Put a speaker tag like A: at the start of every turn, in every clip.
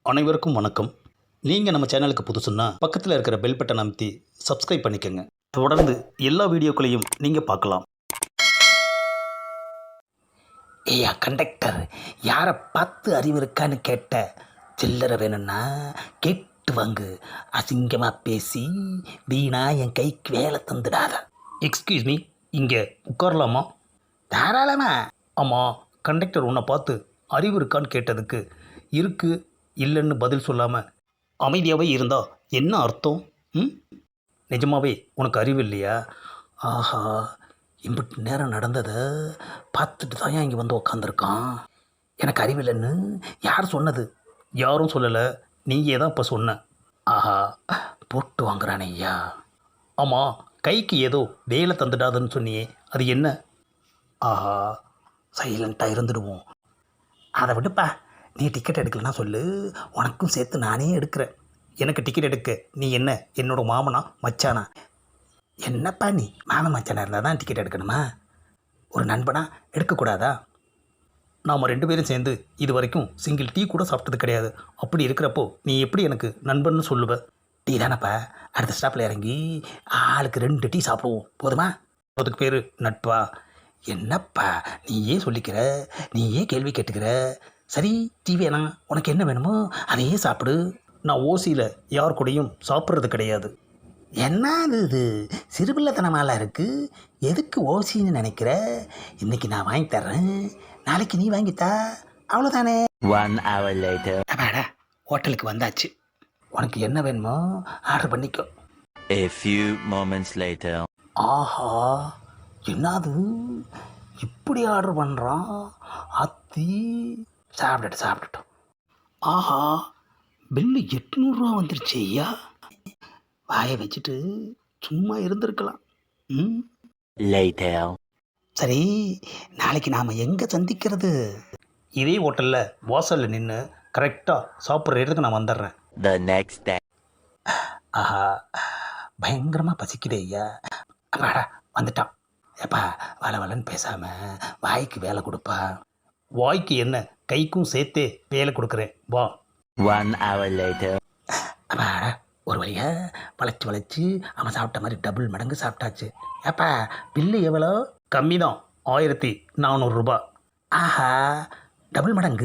A: அனைவருக்கும் வணக்கம். நீங்கள் நம்ம சேனலுக்கு புதுசுன்னா பக்கத்தில் இருக்கிற பெல் பட்டன் அமைத்தி சப்ஸ்கிரைப் பண்ணிக்கோங்க. தொடர்ந்து எல்லா வீடியோக்களையும் நீங்கள் பார்க்கலாம்.
B: ஏய்யா கண்டக்டர், யாரை பார்த்து அறிவு இருக்கான்னு கேட்ட? சில்லறை வேணும்னா கேட்டு வாங்கு. அசிங்கமாக பேசி வீணா என் கைக்கு வேலை தந்துடாத.
A: எக்ஸ்கியூஸ் மீ, இங்கே உட்காரலாமா?
B: தாராளமா.
A: ஆமாம், கண்டக்டர் உன்னை பார்த்து அறிவு இருக்கான்னு கேட்டதுக்கு இருக்கு இல்லைன்னு பதில் சொல்லாமல் அமைதியாகவே இருந்தால் என்ன அர்த்தம்? ம், நிஜமாவே உனக்கு அறிவு இல்லையா?
B: ஆஹா, இம்பிட்டு நேரம் நடந்ததை பார்த்துட்டு தான் இங்கே வந்து உக்காந்துருக்கான். எனக்கு அறிவில்லைன்னு யார் சொன்னது?
A: யாரும் சொல்லலை, நீயே தான் இப்போ சொன்ன.
B: ஆஹா, போட்டு வாங்குறானே ஐயா.
A: ஆமாம், கைக்கு ஏதோ வேலை தந்துடாதுன்னு சொன்னியே, அது என்ன?
B: ஆஹா, சைலண்ட்டாக இருந்துடுவோம். அதை விடுப்பா, நீ டிக்கெட் எடுக்கலன்னா சொல்லு, உனக்கும் சேர்த்து நானே எடுக்கிறேன்.
A: எனக்கு டிக்கெட் எடுக்க நீ என்ன என்னோட மாமனா மச்சானா?
B: என்னப்பா நீ மாமன் மச்சானா இருந்தால் தான் டிக்கெட் எடுக்கணுமா? ஒரு நண்பனா எடுக்கக்கூடாதா?
A: நாம் 2 பேரும் சேர்ந்து இது வரைக்கும் சிங்கிள் டீ கூட சாப்பிட்டது கிடையாது. அப்படி இருக்கிறப்போ நீ எப்படி எனக்கு நண்பன்னு சொல்லுவ?
B: டீ தானப்பா, அடுத்த ஸ்டாப்பில் இறங்கி ஆளுக்கு 2 டீ சாப்பிடுவோம், போதுமா?
A: அதுக்கு பேர் நட்பா?
B: என்னப்பா நீயே சொல்லிக்கிற, நீயே கேள்வி கேட்டுக்கிற. சரி, டீ வேணாம், உனக்கு என்ன வேணுமோ அதையே சாப்பிடு.
A: நான் ஓசியில் யார் கூடயும் சாப்பிட்றது கிடையாது.
B: என்னது இது சிறுபிள்ளைத்தனமாலாம் இருக்குது? எதுக்கு ஓசின்னு நினைக்கிற? இன்றைக்கி நான் வாங்கி தர்றேன், நாளைக்கு நீ வாங்கித்தா, அவ்வளோதானே.
C: 1 hour later.
B: அப்பாடா, ஹோட்டலுக்கு வந்தாச்சு. உனக்கு என்ன வேணுமோ ஆர்டர் பண்ணிக்கோ.
C: A few moments later.
B: ஆஹா, என்னது இப்படி ஆர்டர் பண்ணுறான்? அத்தி சாப்பிட்டுட்டோம். ஆஹா, பில்லு 800 வந்துருச்சு ஐயா. வாயை வச்சுட்டு சும்மா இருந்திருக்கலாம். ம்,
C: Later.
B: சரி, நாளைக்கு நாம் எங்கே சந்திக்கிறது?
A: இதே ஹோட்டலில் வாசலில் நின்று கரெக்டாக சாப்பிட்ற இடத்துக்கு நான் வந்துடுறேன்.
C: The next day.
B: ஆஹா, பயங்கரமாக பசிக்குதே ஐயா. அப்பாடா, வந்துட்டான். ஏப்பா, வளன்னு பேசாமல் வாய்க்கு வேலை கொடுப்பா.
A: வாய்க்கு என்ன, கைக்கும் சேர்த்தே வேலை கொடுக்குறேன், வா.
C: 1 hour later.
B: அப்பாடா, ஒரு வழியாக வளைச்சி அவன் சாப்பிட்ட மாதிரி டபுள் மடங்கு சாப்பிட்டாச்சு. ஏப்பா, பில்லு எவ்வளோ?
A: கம்மி தான், 1400 ரூபாய்.
B: ஆஹா, டபுள் மடங்கு.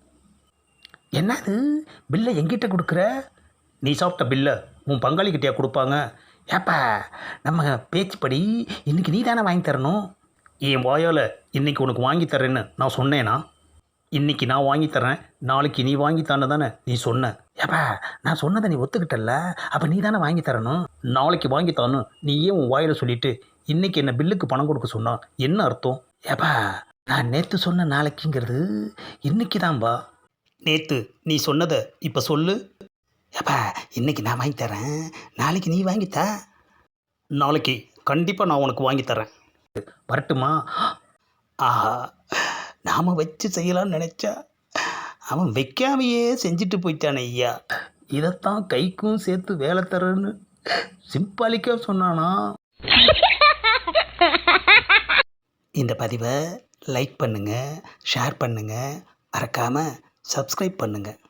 B: என்னது, பில்லை எங்கிட்ட கொடுக்குற?
A: நீ சாப்பிட்ட பில்லை உன் பங்காளிக்கிட்டேயா கொடுப்பாங்க?
B: ஏப்பா, நம்ம பேச்சுப்படி இன்றைக்கி நீ தானே வாங்கி தரணும்.
A: என் வாயால் இன்றைக்கி உனக்கு வாங்கி தரேன்னு நான் சொன்னேனா? இன்றைக்கி நான் வாங்கி தரேன், நாளைக்கு நீ வாங்கித்தானே தானே நீ சொன்ன.
B: ஏப்பா, நான் சொன்னதை நீ ஒத்துக்கிட்டல்ல, அப்போ நீ தானே வாங்கி தரணும்.
A: நாளைக்கு வாங்கித்தானு நீ ஏன் உன் வாயில் சொல்லிவிட்டு இன்றைக்கி என்ன பில்லுக்கு பணம் கொடுக்க சொன்னா என்ன அர்த்தம்?
B: ஏப்பா, நான் நேற்று சொன்ன நாளைக்குங்கிறது இன்றைக்கி தான்பா.
A: நேற்று நீ சொன்னதை இப்போ சொல்லு.
B: ஏப்பா, இன்றைக்கி நான் வாங்கி தரேன், நாளைக்கு நீ வாங்கித்தா.
A: நாளைக்கு கண்டிப்பாக நான் உனக்கு வாங்கி தரேன். வரட்டுமா?
B: ஆஹா, நாம் வச்சு செய்யலாம்னு நினச்சா அவன் வைக்காமையே செஞ்சுட்டு போயிட்டானே ஐயா.
A: இதைத்தான் கைக்கும் சேர்த்து வேலை தரேன்னு சிம்பாலிக்காக சொன்னானா?
B: இந்த பதிவை லைக் பண்ணுங்கள், ஷேர் பண்ணுங்கள், மறக்காமல் சப்ஸ்கிரைப் பண்ணுங்கள்.